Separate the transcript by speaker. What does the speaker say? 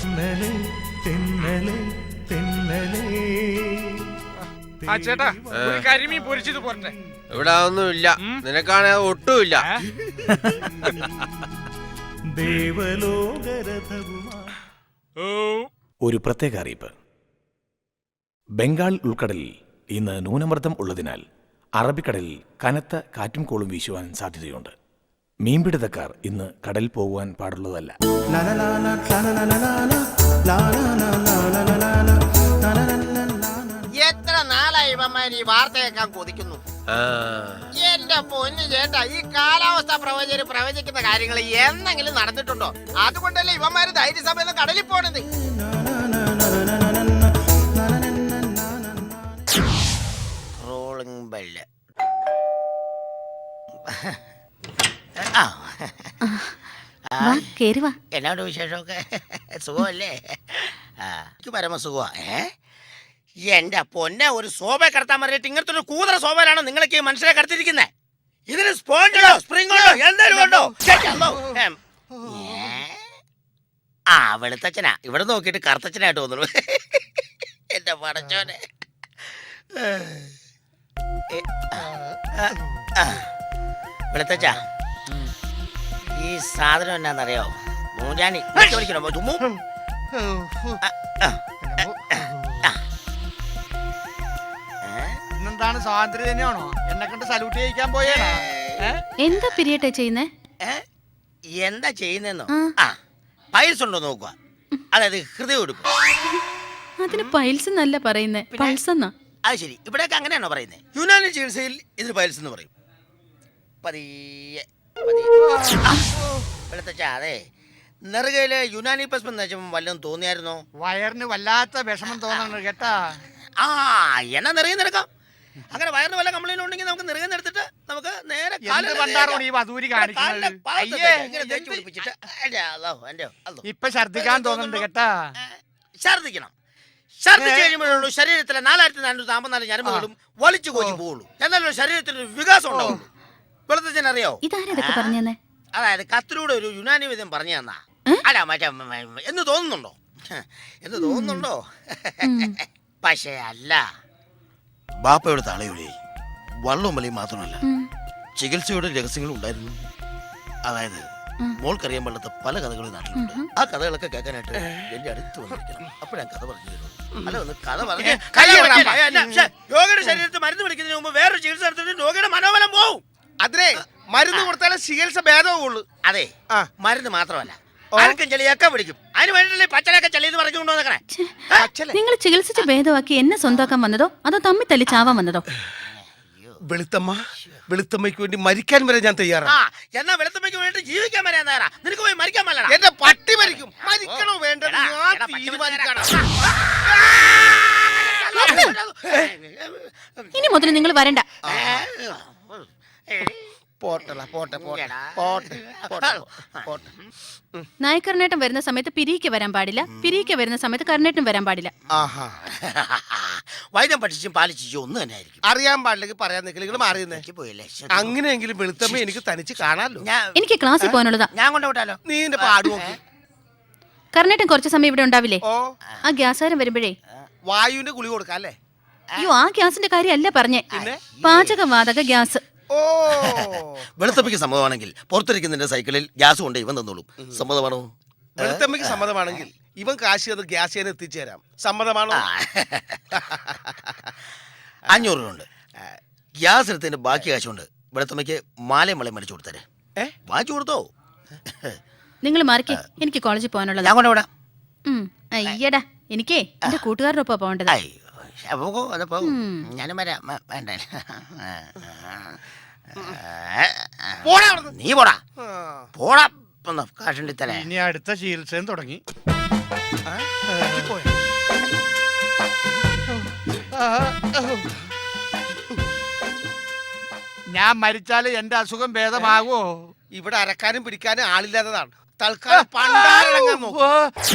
Speaker 1: തെന്നലെ തെന്നലെ തെന്നലെ.
Speaker 2: ആ ചേട്ടാ ഒരു കരിമീൻ പൊരിച്ചത് പോരട്ടെ.
Speaker 3: ഇവിടെ ഒന്നുമില്ല, നിനക്കാണെ ഒട്ടുമില്ല.
Speaker 4: ഒരു പ്രത്യേക അറിയിപ്പ്. ബംഗാൾ ഉൾക്കടലിൽ ഇന്ന് ന്യൂനമർദ്ദം ഉള്ളതിനാൽ അറബിക്കടലിൽ കനത്ത കാറ്റും കോളും വീശുവാൻ സാധ്യതയുണ്ട്. മീൻപിടുത്തക്കാർ ഇന്ന് കടലിൽ പോകുവാൻ പാടുള്ളതല്ല.
Speaker 5: എത്ര നാളായി ഇവന്മാർ ഈ വാർത്ത കേൾക്കാൻ കൊതിക്കുന്നു. എന്റെ പൊന്നു ചേട്ടാ, ഈ കാലാവസ്ഥ പ്രവചകര് പ്രവചിക്കുന്ന കാര്യങ്ങൾ എന്നെങ്കിലും നടന്നിട്ടുണ്ടോ? അതുകൊണ്ടല്ലേ ഇവന്മാര് ധൈര്യസമയം കടലിൽ പോണത്. Rolling bell. എന്നാണ്ട് വിശേഷമൊക്കെ? സുഖമല്ലേ? എനിക്ക് പരമസുഖമാ. എന്റെ പൊന്നെ, ഒരു ശോഭ കടത്താൻ പറഞ്ഞിട്ട് ഇങ്ങനത്തെ ഒരു കൂതറ ശോഭയിലാണ് നിങ്ങളൊക്കെ മനസ്സിലെ കടത്തിരിക്കുന്നത്. ഇതിന് സ്പോഞ്ചോ സ്പ്രിങ്ങോ എന്തെങ്കിലും ഉണ്ടോ? ആ വെളുത്തച്ഛനാ, ഇവിടെ നോക്കിയിട്ട് കറുത്തച്ഛനായിട്ട് തോന്നുന്നു. എന്റെ പടച്ചോനെ. വെളുത്തച്ഛ, ഈ സാധനം എന്നാന്നറിയോ? മൂഞ്ഞാനി വിളിക്കണോ? തുമ്മു.
Speaker 2: ഇന്നെന്താണ് സ്വാതന്ത്ര്യം തന്നെയാണോ? എന്നെ കണ്ട് സല്യൂട്ട് ചെയ്യിക്കാൻ പോയേടാ.
Speaker 6: എന്താ പിരിയട്ടെ ചെയ്യുന്നേ?
Speaker 5: എന്താ ചെയ്യുന്നെന്നോ? പൈൽസ് ഉണ്ടോ നോക്കുക, അതായത് ഹൃദയം എടുക്കും.
Speaker 6: അതിന് പൈൽസ് എന്നല്ല പറയുന്നേ, പൾസ് എന്നാ.
Speaker 5: അത് ശരി, ഇവിടെയൊക്കെ അങ്ങനെയാണോ പറയുന്നത്? യുനാനി ചികിത്സയിൽ ഇതിന് പൈൽസ് എന്ന് പറയും. പതിയെ വെളുത്തച്ഛ, അതെ നെറുകയില് യുനാനി പസ്മം എന്ന് വെച്ചപ്പോൾ വല്ലതും തോന്നിയായിരുന്നോ?
Speaker 2: വയറിന് വല്ലാത്ത വിഷമം തോന്നുന്നു കേട്ടാ.
Speaker 5: എന്നാ നിറയെ നിരക്കാം. അങ്ങനെ വയറിന് വല്ല കംപ്ലൈന്റ് ഉണ്ടെങ്കിൽ നമുക്ക് നിറയെ എടുത്തിട്ട് നമുക്ക് നേരെ
Speaker 2: ഇപ്പൊ ഛർദിക്കാൻ തോന്നുന്നുണ്ട് കേട്ടാ.
Speaker 5: ഛർദിക്കണം. ഛർദിച്ച് കഴിയുമ്പോഴുള്ളൂ ശരീരത്തിലെ 4454 ഞരമ്പുകളും വലിച്ചു കോച്ചി പോവുള്ളൂ. എന്നാലും ശരീരത്തിന് വികാസം ഉണ്ടാവുള്ളൂ. വെളുത്തച്ഛനറിയോ
Speaker 6: ഇതാരൊക്കെ പറഞ്ഞേ?
Speaker 5: അതായത് കത്തിലൂടെ ഒരു യുനാനി വിധം പറഞ്ഞു തന്നാ. അല്ല മറ്റേ എന്ന് തോന്നുന്നുണ്ടോ? എന്ന് തോന്നുന്നുണ്ടോ? പക്ഷേ അല്ല. ബാപ്പയുടെ തളയുടെ വള്ളവും വലിയും മാത്രമല്ല, ചികിത്സയുടെ രഹസ്യങ്ങളും ഉണ്ടായിരുന്നു. അതായത് മോൾക്കറിയാൻ പാടാത്ത പല കഥകളും നാട്ടിലുണ്ട്. ആ കഥകളൊക്കെ കേൾക്കാനായിട്ട് എന്റെ അടുത്ത് വന്നിരിക്കണം. അപ്പോഴാ കഥ പറഞ്ഞു തരുള്ളൂ. അല്ല, ഒന്ന് കഥ പറഞ്ഞു. രോഗിയുടെ ശരീരത്തിൽ മരുന്ന് പിടിക്കുന്നതിന് മുമ്പ് വേറൊരു ചികിത്സ എടുത്തിട്ട് രോഗിയുടെ മനോബലം പോവും.
Speaker 2: അതിനെ മരുന്ന് കൊടുത്താലേ ചികിത്സ ഭേദവുള്ളൂ.
Speaker 5: അതെ, മരുന്ന് മാത്രമല്ല, ആർക്കും ചെളിയൊക്കെ പിടിക്കും. അതിന് വേണ്ടിയില്ലേ പച്ചലൊക്കെ ചെളി എന്ന് പറഞ്ഞുകൊണ്ടോ നിൽക്കണേ.
Speaker 6: നിങ്ങൾ ചികിത്സിച്ച് ഭേദമാക്കി എന്നെ സ്വന്തമാക്കാൻ വന്നതോ അതോ തമ്മിൽ തല്ലി ചാവാൻ വന്നതോ?
Speaker 2: വെളുത്തമ്മയ്ക്ക് വേണ്ടി മരിക്കാൻ വരെ ഞാൻ തയ്യാറാണ്.
Speaker 5: എന്നാ വെളുത്തമ്മയ്ക്ക് വേണ്ടി ജീവിക്കാൻ വരെ തയ്യാറാ. നിനക്ക് പോയി മരിക്കാൻ പറ്റില്ല.
Speaker 2: എന്റെ പട്ടി മരിക്കും. മരിക്കണോ വേണ്ടത് തീരുമാനിക്കണം.
Speaker 6: ഇനി മുതൽ നിങ്ങൾ വരണ്ട. നായക്കർണേട്ടൻ വരുന്ന സമയത്ത് പിരിക്ക് വരാൻ പാടില്ല, പിരിക്ക് വരുന്ന സമയത്ത് കർണേട്ടൻ വരാൻ പാടില്ല.
Speaker 5: വൈദ്യം പഠിച്ചും പാലിച്ചും ഒന്നും തന്നെ ആയിരിക്കും.
Speaker 2: അറിയാൻ പാടില്ലെങ്കിൽ പറയാൻ നിൽക്കൽ മാറിയെന്നേ പോയല്ലേ. അങ്ങനെയെങ്കിലും വെളുത്തമ്മ എനിക്ക് തനിച്ച് കാണാലോ.
Speaker 6: എനിക്ക് ക്ലാസ്സിൽ പോകാനുള്ളതാ.
Speaker 5: ഞാൻ കൊണ്ടുപോട്ടാലോ?
Speaker 2: നീ എന്റെ പാട് നോക്കി.
Speaker 6: കർണേട്ടൻ കുറച്ച് സമയം ഇവിടെ ഉണ്ടാവില്ലേ? ആ ഗ്യാസാരം വരുമ്പോഴേ
Speaker 2: വായുവിന്റെ ഗുളി കൊടുക്കാം അല്ലേ?
Speaker 6: അയ്യോ, ആ ഗ്യാസിന്റെ കാര്യമല്ല പറഞ്ഞേ, പാചകവാതക ഗ്യാസ്.
Speaker 5: വെളുത്തമ്മയ്ക്ക് സമ്മതമാണെങ്കിൽ പുറത്തിരിക്കുന്നതിന്റെ സൈക്കിളിൽ ഗ്യാസ് കൊണ്ട് ഇവൻ തന്നോളും. സമ്മതമാണോ?
Speaker 2: വെളുത്തമ്മയ്ക്ക് സമ്മതമാണെങ്കിൽ ഇവൻ കാശി അത് ഗ്യാസ് ചെയ്യാൻ എത്തിച്ചേരാം. സമ്മതമാണോ?
Speaker 5: 500 രൂപ ഉണ്ട്. ഗ്യാസ് എടുത്തതിന്റെ ബാക്കി കാശുണ്ട് വെളുത്തമ്മയ്ക്ക് മാലയും മലയും മേടിച്ചു കൊടുത്തേ. വാങ്ങിച്ചു കൊടുത്തോ?
Speaker 6: നിങ്ങൾ മാറിക്കേ, എനിക്ക് കോളേജിൽ പോകാനുള്ളത്.
Speaker 5: ഞാൻ കൊണ്ടുവിടാം.
Speaker 6: അയ്യടാ, എനിക്കേ എന്റെ കൂട്ടുകാരുടെ ഒപ്പം പോകേണ്ടത്.
Speaker 5: ഞാനും വരാം. വേണ്ട, നീ പോടാ പോടാ. കാശുണ്ടി തരാ.
Speaker 2: ഇനി അടുത്ത ചികിത്സയും തുടങ്ങി. ഞാൻ മരിച്ചാല് എന്റെ അസുഖം ഭേദമാകുമോ? ഇവിടെ അരക്കാനും പിടിക്കാനും ആളില്ലാത്തതാണ്. തൽക്കാലം പണ്ടാരടങ്ങാൻ നോക്കും.